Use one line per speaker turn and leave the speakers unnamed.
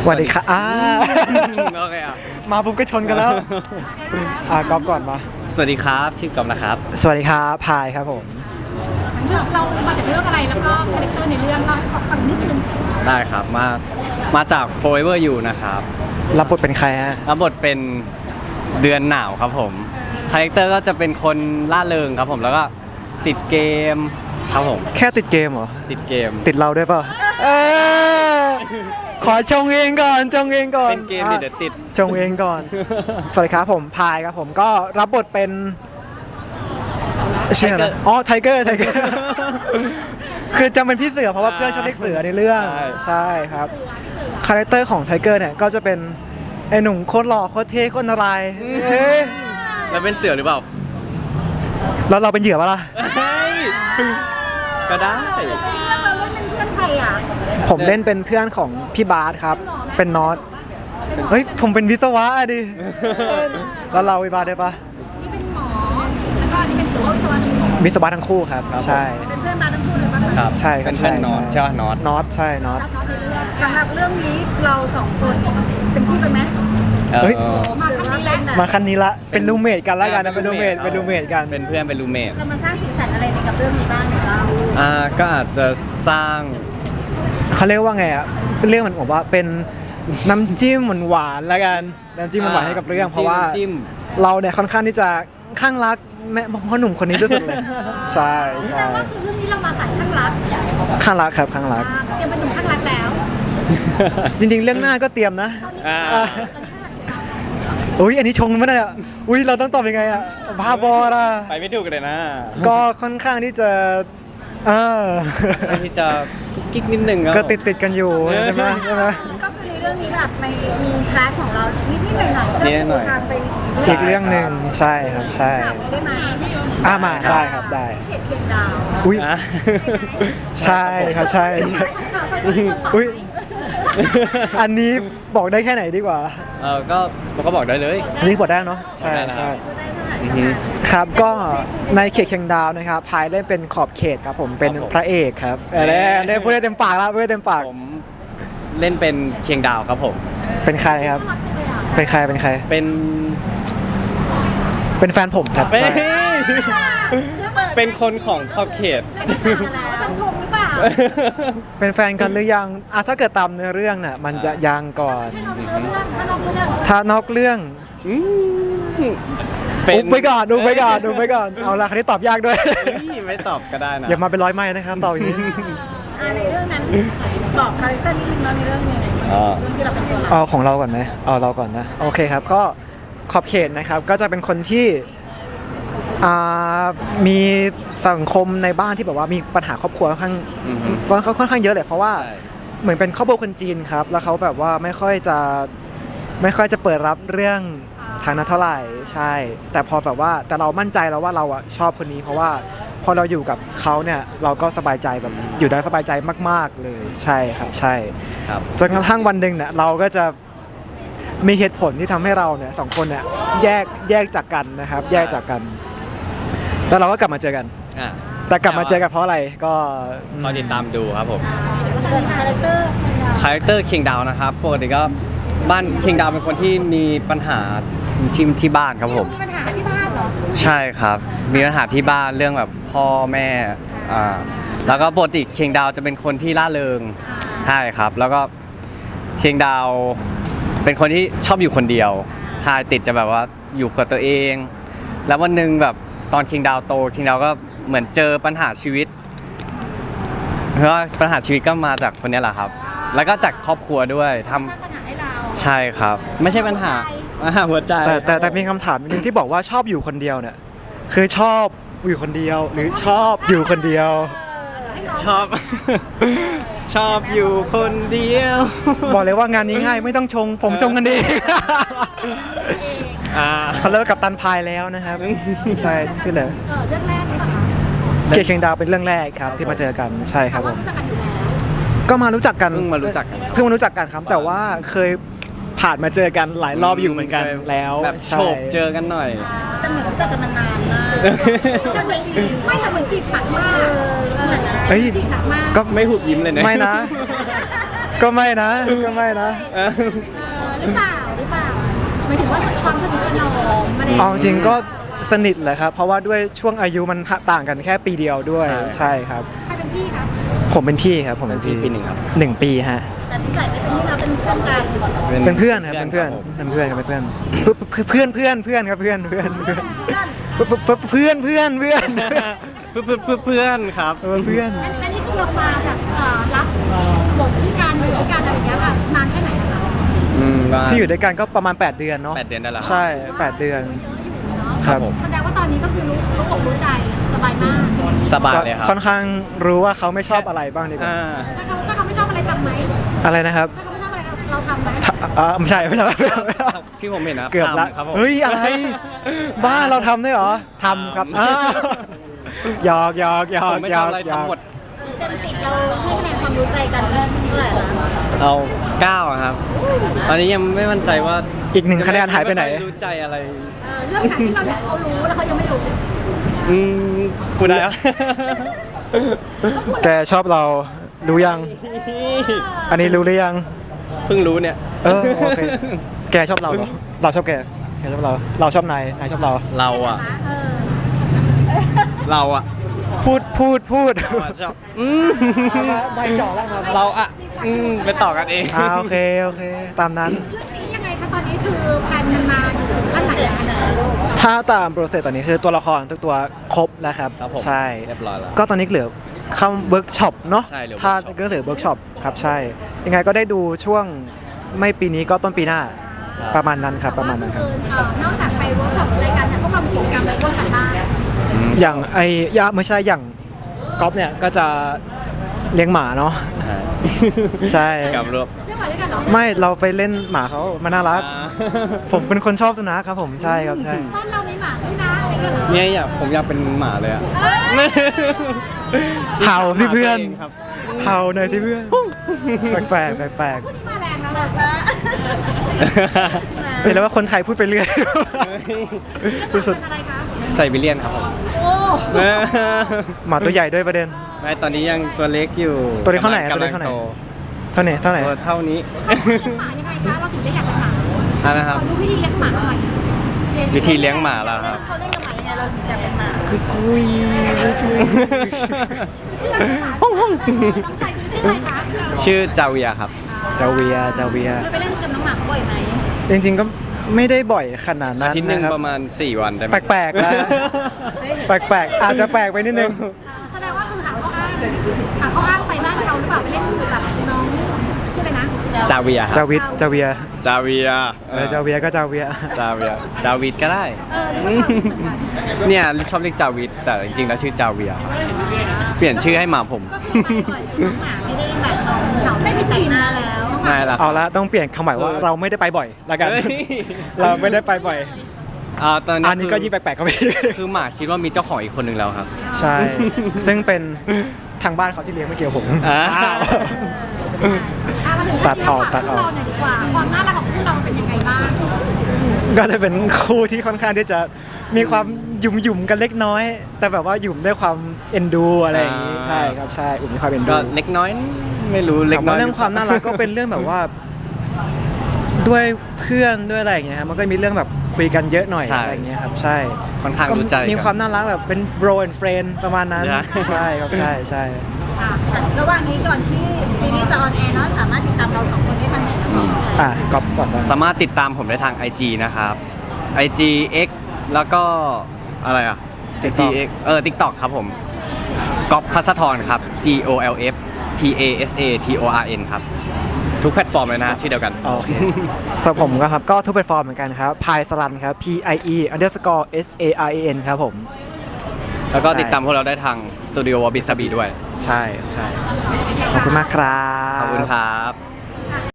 สวัสดีค่ะ
โอเคอ่ะ
มาปุ๊บก็ชนกันแล้วก๊อฟก่อนมา
สวัสดีครับชื่อกอมนะครับ
สวัสดีครับพายครับผม
เรามาจากเรื่องอะไรแล้วก็คาแรคเตอร์ในเรื่องเราให้ฟังนิดนึง
ได้ครับมาจาก Forever You นะครับ
รับบทเป็นใครฮะ
รับบทเป็นเดือนหนาวครับผมคาแรคเตอร์ก็จะเป็นคนล่าเริงครับผมแล้วก็ติดเกมครับผม
แค่ติดเกมเหรอ
ติดเกม
ติดเราด้วยเปล่าขอชงเองก่อน
เป็นเกมเดี๋ยวติด
ชงเองก่อนสวัสดีครับผมพายครับผมก็รับบทเป็นชื่ออะไรไทเกอร์คือจำเป็นพี่เสือเพราะว่าเพื่อนชอบเรียกเสือในเรื่องใช่ครับคาแรคเตอร์ของไทเกอร์เนี่ยก็จะเป็นไอ้หนุ่มโคตรหล่อโคตรเท่โคตรนาราย
แล้วเป็นเสือหรือเปล่า
แล้วเราเป็นเหยื่อปะล่ะ
ก็ได้
เราเล่นเป็นเพื่อนใครอ่ะ
ผมเล่นเป็นเพื่อนของพี่บาสครับเป็นน็อตเฮ้ยผมเป็นวิศวะดิแล้วเราวิบาสได้ปะ
นี่เป็นหมอแล้วก็นี่เป็นตัว
วิศวะทั้งคู่ครับใช่
เป็นเพื่อนมาทั้งคู่เลยปะ
ครับ
ใช่
เป็นเพื่อนน็อตใช่น็
อตใช่น็อต
สำหรับเรื่องนี้เราสองคนเป็นคู่กันไหม
เฮ้ย
มาขั้นนี้แล้ว
มาขั้นนี้ละเป็นรูเมทกันแล้วกันนะเป็นรูเมทกัน
เป็นเพื่อนเป็นรูเมท
เรามาสร้างสีสันอะไรในกับเรื่องนี้บ้างเรา
ก็อาจจะสร้าง
เขาเรียกว่าไงอ่ะเรื่องมันบอกว่าเป็นน้ำจิ้มหวานแล้วกันน้ำจิ้มหวานให้กับเรื่องเพราะว่าเราเนี่ยค่อนข้างที่จะข้างรักแม่พ่อหนุ่มคนนี้ที่สุดเลยใช่
แต่ว่าคือเรื่องนี้เรามาสายข้างรัก
ครับข้างรัก
เตรียมเป็นหนุ่มข้างรักแล้ว
จริงๆเรื่องหน้าก็เตรียมนะอุ้ยอันนี้ชงไม่ได้อ่ะอุ้ยเราต้องตอบยังไงอ่ะบ้าบอละ
ไปไม่ถูกเลยนะ
ก็ค่อนข้างที่จะ
ที่จะกิ๊กนิดนึง
ก็ติดกันอยู่ใช่ไหม
ก็คือในเรื่องนี้แบบมีพาร์ทของเรานิดหน่อยเรื่องทางไป
อีกเรื่องหนึ่งใช่ครับใช่
ได้ไหม
มาได้ครับได้
เห็ดเพียงดาว
อุ้ยใช่ครับใช่อุ้ยอันนี้บอกได้แค่ไหนดีกว่า
ก็บอกได้เลย
อันนี้บอกได้เนาะใช่ครับก็ในเขตเชียงดาวนะครับพายเล่นเป็นขอบเขตครับผมเป็นพระเอกครับเล่นพูดได้เต็มปากแล้วพูดได้เต็มปาก
ผมเล่นเป็นเชียงดาวครับผม
เป็นใครครับเป็นใครเป็นแฟนผมครับ
เป็นคนของขอบเขต
สังชมหรือเปล่า
เป็นแฟนกันหรือยังถ้าเกิดตามเนื้อเรื่องน่ะมันจะยังก่อนถ้านอกเรื่องดูไปก่อนเอาละคราวนี้ตอบยากด้วย
ไม่ตอบก็ได้นะ
อย่ามาเป็นร้อยไม้นะครับตอบอย่างนี้
ในเรื่องนั้นบอกคาแรคเตอร์นิดนึงในเรื่องนี้เรื่องที่เราเป็นตัวเรา
ของเราก่อนไหมเราก่อนนะโอเคครับก็ขอบเขตนะครับก็จะเป็นคนที่มีสังคมในบ้านที่แบบว่ามีปัญหาครอบครัวค่อนข้างเยอะเลยเพราะว่าเหมือนเป็นครอบครัวคนจีนครับแล้วเขาแบบว่าไม่ค่อยจะเปิดรับเรื่องทางนั้นเท่าไหร่ใช่แต่พอแบบว่าแต่เรามั่นใจแล้วว่าเราชอบคนนี้เพราะว่าพอเราอยู่กับเขาเนี่ยเราก็สบายใจแบบอยู่ได้สบายใจมากๆเลยใช่ครับใช่จนกระทั่งวันหนึ่งเนี่ยเราก็จะมีเหตุผลที่ทำให้เราเนี่ยสองคนเนี่ยแยกจากกันนะครับแยกจากกันแล้วเราก็กลับมาเจอกันแต่กลับมาเจอกันเพราะอะไรก็
ติดตามดูครับผมคาแรคเตอร์คิงดาวนะครับปกติก็บ้านคิงดาวเป็นคนที่มีปัญหาที่บ้านครับผม
มีปัญหาที่บ้านเหรอ
ใช่ครับมีปัญหาที่บ้านเรื่องแบบพ่อแม่แล้วก็ปกติคิงดาวจะเป็นคนที่ล่าเริงใช่ครับแล้วก็คิงดาวเป็นคนที่ชอบอยู่คนเดียวใช่ติดจะแบบว่าอยู่กับตัวเองแล้ววันหนึ่งแบบตอนคิงดาวโตคิงดาวก็เหมือนเจอปัญหาชีวิตเพราะว่าปัญหาชีวิตก็มาจากคนนี้แหละครับแล้วก็จากครอบครัวด้วยทำใช่ครับไม่ใช่ปัญหาหัวใจ
แต่มีคำถามนึงที่บอกว่าชอบอยู่คนเดียวเนี่ยคือชอบอยู่คนเดียวหรือชอบอยู่คนเดียว
ชอบอยู่คนเดียว
บอกเลยว่างานนี้ง่ายไม่ต้องชงผมชงกันดีเขาเลิกกับตันพายแล้วนะครับใช่ที่เหลือ
เรื่องแรกใช่ไหม
เชียงดาวเป็นเรื่องแรกครับที่มาเจอกันใช่ครับผมก็มารู้จักกัน
เพิ่งมารู้จัก
กันครับแต่ว่าเคยผ่านมาเจอกันหลายรอบอยู่เหมือนกันแล้ว
แบบโฉบเจอกันหน่อย
แต่เหมือนรู้จักกันมานานมากไม่ทำเหมือนจีบหนักมาก
เฮ้ย
ก็ไม่หุบยิ้มเลยนะ
ไม่นะก็ไม่นะก็ไม่นะ
หรือเปล่าหมายถึงว่าความสนิทสนมอะไรอย่าง
เอา
เงี้ย
จริงก็สนิทแหละครับ เพราะว่าด้วยช่วงอายุมันต่างกันแค่ปีเดียวด้วย ใช่ครับ
ใครเป็นพี่ครับ
ผมเป็นพี่ครับผมเป็นพี่
ปีหนึ่งครับ
1 ปีฮะ
แต่นิสัยไม่เป็นที่เราเป็นเพื่อนกัน
เป็นเพื่อนครับเป็นเพื่อน
ครับผม
เป็นเพื่อนครับเป็นเพื่อนเพื่อนครับเพื่อนเพื่อนเพื่อนเพื่อนเพื่อนเพื่อน
เพื่อนครับ
เพื่อน
อันนี้คือเรามาแบบรับบทที่การอยู่ด้วยกันอะไรอย่างเงี้ยค่ะนานแค่ไหนนะคะ
ที่อยู่ด้วยกันก็ประมาณ 8 เดือนเนาะ
8 เดือนได้แล้ว
ใช่ 8 เดือน
เยอะอยู่เนาะ
ครับ
แสดงว่าตอนนี้ก็คือรู้อกรู้ใจสบายมาก
สบายเลยครับ
ค่อนข้างรู้ว่าเขาไม่ชอบอะไรบ้างดีกว่า
ถ้าเขาไม่ชอบอะไรทำไหม
อะไรนะครับ
ถ้าเขาไม่ชอบอะไรเราทำไหม
ไม่ใช่ไม่ใช่
ที่ผมเห็นนะครับ
เกือบละ
ทำครับผม
เฮ้ยอะไร บ้าเราทำได้วยเหรอทำครับหยอกหยอกหยอ
ผ
ก
มไม่
หยอก
ทำอะไร
หยอก
ทำหมด
เต็ม10เราให้คะแนนความรู้ใจกันเท่าไหร่ละ
เอา9อะครับ ตอนนี้ยังไม่มั่นใจว่า
อีก1 คะแนนหายไปไหน
ม่รู้ใจอะไร
เรื่องไหนที่เราอยากเขารู้แล้วเขายังไม่รู้
พูดได้ครับ
แกชอบเรารู้ยัง อันนี้รู้หรือยัง
เพิ่งรู้เนี่ย
โอเค แกชอบเราเหรอ เราชอบแกชอบเรา เราชอบนาย นายชอบเรา
เราอะ
เออ
เราอะ
พูด
เราอะชอบ
ใบจ่อแล้วมา
เราอะไปต่อกันเอง
โอเค ตามนั้น
เรื่องนี้ยังไงคะตอนนี้คือแผนมันมาอยู่ถึงขั้นไหนแล้ว
ถ้าตามโปรเซสตอนนี้คือตัวละครทุกตัวครบแล้วครับ
ครับผม
ใช่
เรียบร้อยแล้ว
ก็ตอนนี้เหลือเข้าเวิร์กช็อปเนาะ
ใช่เหลือ
ถ้า
workshop
ก็เหลือเวิร์กช็อปครับใช่ ยังไงก็ได้ดูช่วงไม่ปีนี้ก็ต้นปีหน้า
ครับ
ประมาณนั้นครับประมาณนั้นครับ
คือนอกจากไปเวิร์กช็อปรายการเนี่ยพวกเรามีกิจกรรมอะไรร่วมกันบ้าง
อย่างไม่ใช่อย่างก๊อฟเนี่ยก็จะเลี้ยงหมาเนาะ ใช่
กับรวบ
เรื่องอะไรด้วยกันเหรอ
ไม่เราไปเล่นหมาเขามันน่ารัก ผมเป็นคนชอบสุนัขครับผมใช่ครับใช่
บ้านเรามีหมาด้วยนะอะไรกันเหรอ
เนี่ยผมอยากเป็นหมาเลยอะ
เห่าสิเพื่อน
หมาตัวงครับ
เห่าหน่อยสิเพื่อนแปลกๆแปลก
พูดที่มาแรงแล้วล่ะ
ๆเห็นแล้วว่าคนไทยพูดไปเรื่อยสุด
เป็นอะไรคะ
ไซบีเรียนครับผม
โอ้
ๆหมาตัวใหญ่ด้วยประเด็น
ไม่ตอนนี้ยังตัวเล็กอยู่
ตัวเล็กเท่าไหร่
กำลัง
ตัวเล็กเท่าไหร่
โต
เท่าไหร่เท่าไหร่
ตัวเท่านี้
หมายังไงคะเราถึงได้อยากเป็นหมา
อ่ะนะครับ
ขอดูวิธีเลี้ยงหมาหน่อย
วิธีเลี้ยงหมาล่ะครับ
เขาเล่นกับหมายังไงเราถึงอยากเป็นหมา
กุย
ชื่ออะไรคะน้องใส่คือชื่ออะไรคะ
ชื่อจาเวียครับ
เจ้าเวีย
เราไปเล่นกับน้องหมาบ่อยไหม
จริงๆก็ไม่ได้บ่อยขนาดนั้น
อาทิตย์หนึ่ง
นะครับ
ประมาณ 4 วันได้ไหม
แปลกๆแล้วแปลกๆอาจจะแปลกไปนิดนึง
แสดงว่าคือหาข้ออ้างไปบ้านเราหรือเปล่าไปเล่นกับน้องชื่ออะไรนะ
จาเวียครับ
เจ้าเวีย
จาเวีย
เจ้าเวียก็เจ้าเวีย
จาเวียจาวิดก็ได้ เนี่ยชอบเรียกจาวิดแต่จริงๆแล้วชื่อจาเวียครับเปลี่ยนชื่อให้หมาผม
ก็คือไปบ่อยจริงน้องหมาไม่ได้แบบเหงาไม่มีแต่งหน้าแล้ว
ไม่ละ
เอาละต้องเปลี่ยนคำหมายว่าเราไม่ได้ไปบ่อยละกัน
เฮ้ย
เราไม่ได้ไปบ่อย
ตอนนี้
อันนี้ก็ยิ่งแปลกๆก็ไม่
คือหมาคิดว่ามีเจ้าของอีกคนหนึ่งแล้วครับ
ใช่ ซึ่งเป็นทางบ้านเขาที่เลี้ยงไม่เกี่ยวกับผม
อ่า
อ้าว
มาถึง
ตัดออก
เรื่องเราหน่อยดีกว่าความน่ารักของคู่เราเป็นยังไงบ้าง
ก็จะเป็นคู่ที่ค่อนข้างที่จะมีความหยุ่มๆกันเล็กน้อย แต่แบบว่าหยุ่มด้วยความเอ็นดูอะไรอย่างนี้ใช่ครับใช่อุ่มมีความเอ็นดู
ก็เล็กน้อยไม่รู้เล็ก
ถาม
น้อ
ว่าย เรื่องความน่ารักก็เป็นเรื่องแบบว่า ด้วยเพื่อนด้วยอะไรอย่างเงี้ยครับมันก็มีเรื่องแบบคุยกันเยอะหน่อย
ใช่
อะไรอย่างเงี้ยครับใช่
ค่อนข้างรู้ใจ
ก็มีความน่ารักแบบเป็น bro and friend ประมาณนั้น
นะ
ใช่ครับใช่ใช่
ระหว่างนี้ก่อนที่ซีรีส์จะออนแอร์เนาะสามารถติดตามเราสองคนได้ทางไหน
ก๊อปก่อนนะ
สามารถติดตามผมได้ทาง IG นะครับ IG X แล้วก็อะไรอ่ะ IG X TikTok ครับผมก๊อฟพัสธรครับ GOLF PASATORN ครับ ทุกแพลตฟอร์มเลยนะชื่อเดียวกัน
โอเคสำหรับผมก็ครับก็ทุกแพลตฟอร์มเหมือนกันครับพายสลันครับ PIE_SARAN ครับผม
แล้วก็ติดตามพวกเราได้ทางสตูดิโอวอบิสบีด้วย
ใช่ใช่ขอบคุณมากครับ
ขอบคุณครับ